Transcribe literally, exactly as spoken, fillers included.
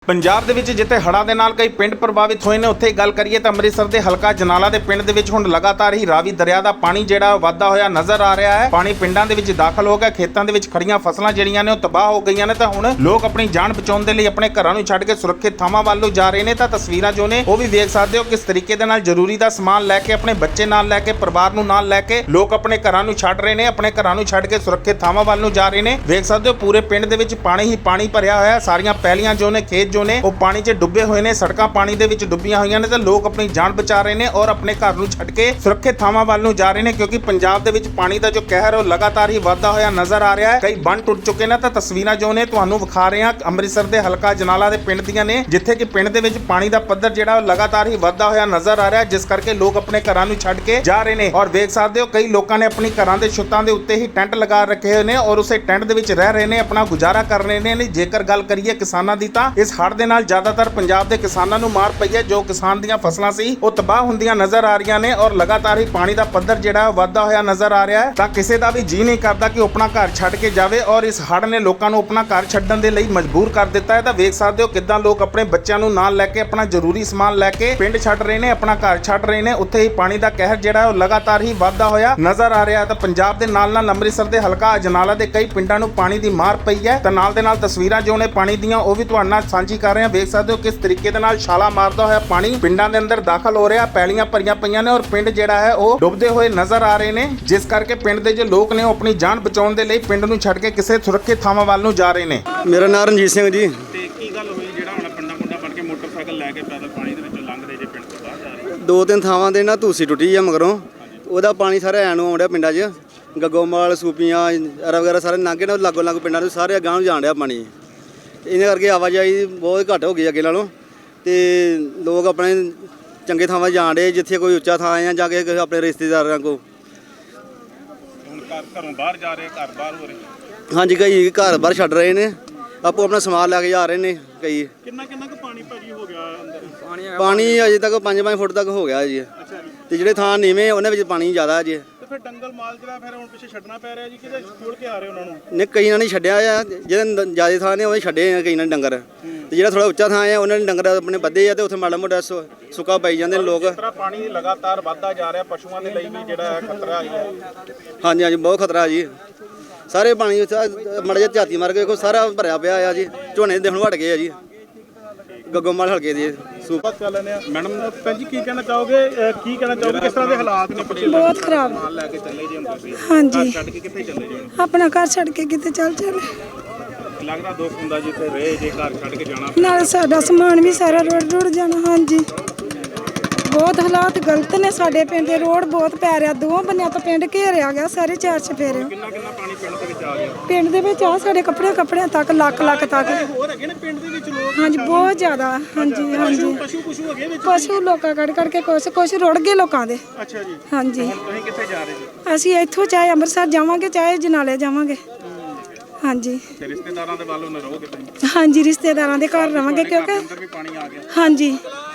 ਪੰਜਾਬ ਦੇ ਵਿੱਚ ਜਿੱਥੇ ਹੜ੍ਹਾਂ ਦੇ ਨਾਲ ਕਈ ਪਿੰਡ ਪ੍ਰਭਾਵਿਤ ਹੋਏ ਨੇ, ਉੱਥੇ ਗੱਲ ਕਰੀਏ ਤਾਂ ਅੰਮ੍ਰਿਤਸਰ ਦੇ ਹਲਕਾ ਜਨਾਲਾ ਦੇ ਪਿੰਡ ਦੇ ਵਿੱਚ ਹੁਣ ਲਗਾਤਾਰ ਹੀ ਰਾਵੀ ਦਰਿਆ ਦਾ ਪਾਣੀ ਜਿਹੜਾ ਵਾਧਾ ਹੋਇਆ ਨਜ਼ਰ ਆ ਰਿਹਾ ਹੈ। ਪਾਣੀ ਪਿੰਡਾਂ ਦੇ ਵਿੱਚ ਦਾਖਲ ਹੋ ਗਿਆ, ਖੇਤਾਂ ਦੇ ਵਿੱਚ ਖੜੀਆਂ ਫਸਲਾਂ ਜਿਹੜੀਆਂ ਨੇ ਉਹ ਤਬਾਹ ਹੋ ਗਈਆਂ ਨੇ। ਤਾਂ ਹੁਣ ਲੋਕ ਆਪਣੀ ਜਾਨ ਬਚਾਉਣ ਦੇ ਲਈ ਆਪਣੇ ਘਰਾਂ ਨੂੰ ਛੱਡ ਕੇ ਸੁਰੱਖਿਅਤ ਥਾਵਾਂ ਵੱਲ ਨੂੰ ਜਾ ਰਹੇ ਨੇ। ਤਾਂ ਤਸਵੀਰਾਂ ਜੋ ਨੇ ਉਹ ਵੀ ਵੇਖ ਸਕਦੇ ਹੋ ਕਿਸ ਤਰੀਕੇ ਦੇ ਨਾਲ ਜ਼ਰੂਰੀ ਦਾ ਸਮਾਨ ਲੈ ਕੇ, ਆਪਣੇ ਬੱਚੇ ਨਾਲ ਲੈ ਕੇ, ਪਰਿਵਾਰ ਨੂੰ ਨਾਲ ਲੈ ਕੇ ਲੋਕ ਆਪਣੇ ਘਰਾਂ ਨੂੰ ਛੱਡ ਰਹੇ ਨੇ, ਆਪਣੇ ਘਰਾਂ ਨੂੰ ਛੱਡ ਕੇ ਸੁਰੱਖਿਅਤ ਥਾਵਾਂ ਵੱਲ ਨੂੰ ਜਾ ਰਹੇ ਨੇ। ਵੇਖ ਸਕਦੇ ਹੋ ਪੂਰੇ ਪਿੰਡ ਦੇ ਵਿੱਚ ਪਾਣੀ ਹੀ ਪਾਣੀ ਭਰਿਆ ਹੋਇਆ ਹੈ। ਸਾਰੀਆਂ ਪੈਲੀਆਂ ਜੋ ਨੇ, ਖੇਤ ਜੋ ਨੇ ਉਹ ਪਾਣੀ 'ਚ ਡੁੱਬੇ ਹੋਏ ਨੇ, ਸੜਕਾਂ ਪਾਣੀ ਦੇ ਵਿੱਚ ਡੁੱਬੀਆਂ ਹੋਈਆਂ ਨੇ। ਤਾਂ ਲੋਕ ਆਪਣੀ ਜਾਨ ਬਚਾ ਰਹੇ ਨੇ ਔਰ ਆਪਣੇ ਘਰ ਨੂੰ ਛੱਡ ਕੇ ਸੁਰੱਖਿਅਤ ਥਾਵਾਂ ਵੱਲ ਨੂੰ ਜਾ ਰਹੇ ਨੇ, ਕਿਉਂਕਿ ਪੰਜਾਬ ਦੇ ਵਿੱਚ ਪਾਣੀ ਦਾ ਜੋ ਕਹਿਰ ਉਹ ਲਗਾਤਾਰ ਹੀ ਵਧਦਾ ਹੋਇਆ ਨਜ਼ਰ ਆ ਰਿਹਾ ਹੈ। ਕਈ ਬੰਨ ਟੁੱਟ ਚੁੱਕੇ ਨੇ। ਤਾਂ ਤਸਵੀਰਾਂ ਜੋ ਨੇ ਤੁਹਾਨੂੰ ਵਿਖਾ ਰਹੇ ਹਾਂ ਅੰਮ੍ਰਿਤਸਰ ਦੇ ਹਲਕਾ ਜਨਾਲਾ ਦੇ ਪਿੰਡ ਦੀਆਂ ਨੇ, ਜਿੱਥੇ ਕਿ ਪਿੰਡ ਦੇ ਵਿੱਚ ਪਾਣੀ ਦਾ ਪੱਧਰ ਜਿਹੜਾ ਉਹ ਲਗਾਤਾਰ ਹੀ ਵਧਦਾ ਹੋਇਆ ਨਜ਼ਰ ਆ ਰਿਹਾ, ਜਿਸ ਕਰਕੇ ਲੋਕ ਆਪਣੇ ਘਰਾਂ ਨੂੰ ਛੱਡ ਕੇ ਜਾ ਰਹੇ ਨੇ। ਔਰ ਵੇਖ ਸਕਦੇ ਹੋ ਕਈ ਲੋਕਾਂ ਨੇ ਆਪਣੀ ਘਰਾਂ ਦੇ ਛੱਤਾਂ ਦੇ ਉੱਤੇ ਹੀ ਟੈਂਟ ਲਗਾ ਰੱਖੇ ਹੋਏ ਨੇ ਔਰ ਉਸੇ ਟੈਂਟ ਦੇ ਵਿੱਚ ਰਹਿ ਰਹੇ ਨੇ, ਆਪਣਾ ਗੁਜ਼ਾਰਾ ਕਰ ਰਹੇ ਨੇ। ਜੇਕਰ ਗੱਲ ਕਰੀਏ ਕਿਸਾਨਾਂ ਦੀ, ਤਾਂ ਇਸ ਹੜ੍ਹ ਦੇ ਨਾਲ ਜ਼ਿਆਦਾਤਰ ਪੰਜਾਬ ਦੇ ਕਿਸਾਨਾਂ ਨੂੰ ਮਾਰ ਪਈ ਹੈ। ਜੋ ਕਿਸਾਨ ਦੀਆਂ ਫਸਲਾਂ ਸੀ ਉਹ ਤਬਾਹ ਹੁੰਦੀਆਂ ਨਜ਼ਰ ਆ ਰਹੀਆਂ ਨੇ ਔਰ ਲਗਾਤਾਰ ਹੀ ਪਾਣੀ ਦਾ ਪੱਧਰ ਜਿਹੜਾ ਵਧਦਾ ਹੋਇਆ ਨਜ਼ਰ ਆ ਰਿਹਾ ਹੈ। ਤਾਂ ਕਿਸੇ ਦਾ ਵੀ ਜੀ ਨਹੀਂ ਕਰਦਾ ਕਿ ਉਹ ਆਪਣਾ ਘਰ ਛੱਡ ਕੇ ਜਾਵੇ ਔਰ ਇਸ ਹੜ੍ਹ ਨੇ ਲੋਕਾਂ ਨੂੰ ਆਪਣਾ ਘਰ ਛੱਡਣ ਦੇ ਲਈ ਮਜਬੂਰ ਕਰ ਦਿੱਤਾ ਹੈ। ਤਾਂ ਵੇਖ ਸਕਦੇ ਹੋ ਕਿੱਦਾਂ ਲੋਕ ਆਪਣੇ ਬੱਚਿਆਂ ਨੂੰ ਨਾਲ ਲੈ ਕੇ, ਆਪਣਾ ਜ਼ਰੂਰੀ ਸਮਾਨ ਲੈ ਕੇ ਪਿੰਡ ਛੱਡ ਰਹੇ ਨੇ, ਆਪਣਾ ਘਰ ਛੱਡ ਰਹੇ ਨੇ। ਉੱਥੇ ਹੀ ਪਾਣੀ ਦਾ ਕਹਿਰ ਜਿਹੜਾ ਉਹ ਲਗਾਤਾਰ ਹੀ ਵਧਦਾ ਹੋਇਆ ਨਜ਼ਰ ਆ ਰਿਹਾ ਹੈ। ਤਾਂ ਪੰਜਾਬ ਦੇ ਨਾਲ ਨਾਲ ਅੰਮ੍ਰਿਤਸਰ ਦੇ ਹਲਕਾ ਅਜਨਾਲਾ ਦੇ ਕਈ ਪਿੰਡਾਂ ਨੂੰ ਪਾਣੀ ਦੀ ਮਾਰ ਪਈ ਹੈ। ਤਾਂ ਨਾਲ ਦੇ ਨਾਲ ਤਸਵੀਰਾਂ ਜੋ ਨੇ ਪਾਣੀ ਦੀਆਂ ਉਹ ਵੀ ਤੁਹਾਡੇ ਨਾਲ ਸਾਂਝੀ ਕਰ ਰਹੇ ਹਾਂ। ਵੇਖ ਸਕਦੇ ਹੋ ਕਿਸ ਤਰੀਕੇ ਦੇ ਨਾਲ ਛਾਲਾ ਮਾਰਦਾ ਹੋਇਆ ਪਾਣੀ ਪਿੰਡਾਂ ਦੇ ਅੰਦਰ ਦਾਖਲ ਹੋ ਰਿਹਾ, ਪੈਲੀਆਂ ਭਰੀਆਂ ਪਈਆਂ ਨੇ ਔਰ ਪਿੰਡ ਜਿਹੜਾ ਹੈ ਉਹ ਡੁੱਬਦੇ ਹੋਏ ਨਜ਼ਰ ਆ ਰਹੇ ਨੇ, ਜਿਸ ਕਰਕੇ ਪਿੰਡ ਦੇ ਜੋ ਲੋਕ ਨੇ ਉਹ ਆਪਣੀ ਜਾਨ ਬਚਾਉਣ ਦੇ ਲਈ ਪਿੰਡ ਨੂੰ ਛੱਡ ਕੇ ਕਿਸੇ ਸੁਰੱਖਿਅਤ ਥਾਵਾਂ ਵੱਲ ਨੂੰ ਜਾ ਰਹੇ ਨੇ। ਮੇਰਾ ਨਾਮ ਰਣਜੀਤ ਸਿੰਘ ਜੀ। ਤੇ ਕੀ ਗੱਲ ਹੋਈ ਜਿਹੜਾ ਹੁਣ ਪਿੰਡਾਂ ਪੁੰਡਾਂ ਬਣ ਕੇ ਮੋਟਰਸਾਈਕਲ ਲੈ ਕੇ ਪੈਦਲ ਪਾਣੀ ਦੇ ਵਿੱਚੋਂ ਲੰਘ ਰਹੇ ਜੇ ਪਿੰਡ ਤੋਂ ਬਾਹਰ ਜਾ ਰਹੇ? ਦੋ ਤਿੰਨ ਥਾਵਾਂ ਦੇ ਨਾ ਧੂਸੀ ਟੁੱਟੀ ਆ ਮਗਰੋਂ, ਉਹਦਾ ਪਾਣੀ ਸਾਰਾ ਐਂ ਨੂੰ ਆਉਂਦਾ ਪਿੰਡਾਂ 'ਚ, ਗੱਗੋਮਾਲ, ਸੂਪੀਆਂ, ਐਰਾ ਵਗੈਰਾ ਸਾਰੇ ਲੰਘੇ ਨੇ, ਲਾਗੋ ਲੱਗ ਪਿੰਡਾਂ ਨੂੰ ਸਾਰੇ ਅਗਾਂਹ ਨੂੰ ਜਾਣ ਡਿਆ ਪਾਣੀ। ਇਹਦੇ ਕਰਕੇ ਆਵਾਜਾਈ ਬਹੁਤ ਘੱਟ ਹੋ ਗਈ ਅੱਗੇ ਨਾਲੋਂ, ਤੇ ਲੋਕ ਆਪਣੇ ਚੰਗੇ ਥਾਵਾਂ ਜਾਣ ਡੇ, ਜਿੱਥੇ ਕੋਈ ਉੱਚਾ ਥਾਂ ਆ ਜਾ ਕੇ ਆਪਣੇ ਰਿਸ਼ਤੇਦਾਰਾਂ ਕੋਲ। ਹੁਣ ਘਰ ਘਰੋਂ ਬਾਹਰ ਜਾ ਰਹੇ, ਘਰ ਬਾਹਰ ਹੋ ਰਹੇ? ਹਾਂਜੀ, ਕਈ ਘਰ ਬਾਹਰ ਛੱਡ ਰਹੇ ਨੇ, ਆਪੋ ਆਪਣਾ ਸਮਾਨ ਲੈ ਕੇ ਜਾ ਰਹੇ ਨੇ ਕਈ। ਕਿੰਨਾ ਕਿੰਨਾ ਕੁ ਪਾਣੀ ਭਾਜੀ ਹੋ ਗਿਆ ਅੰਦਰ? ਪਾਣੀ ਅਜੇ ਤੱਕ ਪੰਜ ਪੰਜ ਫੁੱਟ ਤੱਕ ਹੋ ਗਿਆ ਜੀ। ਤੇ ਜਿਹੜੇ ਥਾਂ ਨੀਵੇਂ ਉਹਨਾਂ ਵਿੱਚ ਪਾਣੀ ਜ਼ਿਆਦਾ ਜੀ। ਫਿਰ ਡੰਗਲ ਮਾਲ ਜਿਹੜਾ ਫਿਰ ਹੁਣ ਪਿੱਛੇ ਛੱਡਣਾ ਪੈ ਰਿਹਾ ਜੀ, ਕਿਤੇ ਖੋਲ ਕੇ ਆ ਰਹੇ ਉਹਨਾਂ ਨੂੰ? ਨੇ ਕਈਆਂ ਨੇ ਛੱਡਿਆ ਆ, ਜਿਹੜੇ ਜ਼ਿਆਦਾ ਥਾਂ ਨੇ ਉਹ ਛੱਡੇ ਆ ਕਈਆਂ ਨੇ ਡੰਗਰ, ਤੇ ਜਿਹੜਾ ਥੋੜਾ ਉੱਚਾ ਥਾਂ ਆ ਉਹਨਾਂ ਨੇ ਡੰਗਰ ਆਪਣੇ ਬੱਧੇ ਆ ਤੇ ਉੱਥੇ ਮਾੜਾ ਮੋਟਾ ਸੁੱਕਾ ਪਾਈ ਜਾਂਦੇ ਨੇ ਲੋਕ। ਇਸ ਤਰ੍ਹਾਂ ਪਾਣੀ ਲਗਾਤਾਰ ਵੱਧਦਾ ਜਾ ਰਿਹਾ, ਪਸ਼ੂਆਂ ਦੇ ਲਈ ਵੀ ਜਿਹੜਾ ਹੈ ਖਤਰਾ ਹੈ। ਹਾਂਜੀ ਹਾਂਜੀ, ਬਹੁਤ ਖਤਰਾ ਜੀ। ਸਾਰੇ ਪਾਣੀ ਮਾੜਾ ਜਿਹਾ ਝਾਤੀ ਮਾਰ ਕੇ ਦੇਖੋ, ਸਾਰਾ ਭਰਿਆ ਪਿਆ ਆ ਜੀ। ਝੋਨੇ ਦੇ ਹੁਣ ਵੜ ਗਏ ਆ ਜੀ ਗੱਗੋਮਾਲ ਹਲਕੇ ਦੇ ਸੂਪਾ ਚੱਲ ਲੈਣੇ ਆ। ਮੈਡਮ ਭੈਣ ਜੀ ਕੀ ਕਹਿਣਾ ਚਾਹੋਗੇ, ਕੀ ਕਹਿਣਾ ਚਾਹੋਗੇ, ਕਿਸ ਤਰ੍ਹਾਂ ਦੇ ਹਾਲਾਤ ਨੇ? ਬਹੁਤ ਖਰਾਬ ਸਮਾਨ ਲੈ ਕੇ ਚੱਲੇ ਜੀ ਹੁੰਦੇ ਸੀ? ਹਾਂਜੀ, ਛੱਡ ਕੇ ਕਿੱਥੇ ਚੱਲੇ ਜੀ? ਆਪਣਾ ਘਰ ਛੱਡ ਕੇ ਕਿਤੇ ਚੱਲ ਚੱਲ। ਲੱਗਦਾ ਦੁੱਖ ਹੁੰਦਾ ਜਿੱਥੇ ਰਹੇ, ਜੇ ਘਰ ਛੱਡ ਕੇ ਜਾਣਾ ਨਾਲ ਸਾਡਾ ਸਮਾਨ ਵੀ ਸਾਰਾ ਰੁੜ ਰੁੜ ਜਾਣਾ। ਹਾਂਜੀ, ਬਹੁਤ ਹਾਲਾਤ ਗਲਤ ਨੇ ਸਾਡੇ ਪਿੰਡ ਦੇ। ਰੋਡ ਬਹੁਤ ਪੈ ਰਿਹਾ, ਦੋਵਾਂ ਬੰਨਿਆਂ ਤੋਂ ਪਿੰਡ ਘੇਰਿਆ ਗਿਆ, ਸਾਰੇ ਚਾਰ ਚਫੇਰੇ। ਕਿੰਨਾ ਕਿੰਨਾ ਪਾਣੀ ਪਿੰਡ ਦੇ ਵਿੱਚ ਆ ਗਿਆ? ਪਿੰਡ ਦੇ ਵਿੱਚ ਆ ਸਾਡੇ ਕੱਪੜੇ ਕੱਪੜਿਆਂ ਤੱਕ, ਲੱਖ ਲੱਖ ਤੱਕ। ਹੋਰ ਹੈਗੇ ਨੇ ਪਿੰਡ ਦੇ ਵਿੱਚ ਲੋਕ? ਹਾਂਜੀ, ਬਹੁਤ ਜ਼ਿਆਦਾ। ਹਾਂਜੀ ਹਾਂਜੀ, ਪਸ਼ੂ ਪਸ਼ੂ ਹੈਗੇ ਵਿੱਚ? ਪਸ਼ੂ ਲੋਕਾਂ ਕੱਢ ਕੱਢ ਕੇ ਕੁਛ ਕੁਛ ਰੁੜ ਗਏ ਲੋਕਾਂ ਦੇ। ਅੱਛਾ ਜੀ। ਹਾਂਜੀ, ਹੁਣ ਤੁਸੀਂ ਕਿੱਥੇ ਜਾ ਰਹੇ ਜੀ? ਅਸੀਂ ਇੱਥੋਂ ਚਾਹੇ ਅੰਮ੍ਰਿਤਸਰ ਜਾਵਾਂਗੇ, ਚਾਹੇ ਜਨਾਲੇ ਜਾਵਾਂਗੇ। ਹਾਂਜੀ, ਰਿਸ਼ਤੇਦਾਰਾਂ ਦੇ ਵੱਲੋਂ ਨਾ ਰਹੋਗੇ ਤੁਸੀਂ? ਹਾਂਜੀ, ਰਿਸ਼ਤੇਦਾਰਾਂ ਦੇ ਘਰ ਰਵਾਂਗੇ, ਕਿਉਂਕਿ ਅੰਦਰ ਵੀ ਪਾਣੀ ਆ ਗਿਆ। ਹਾਂਜੀ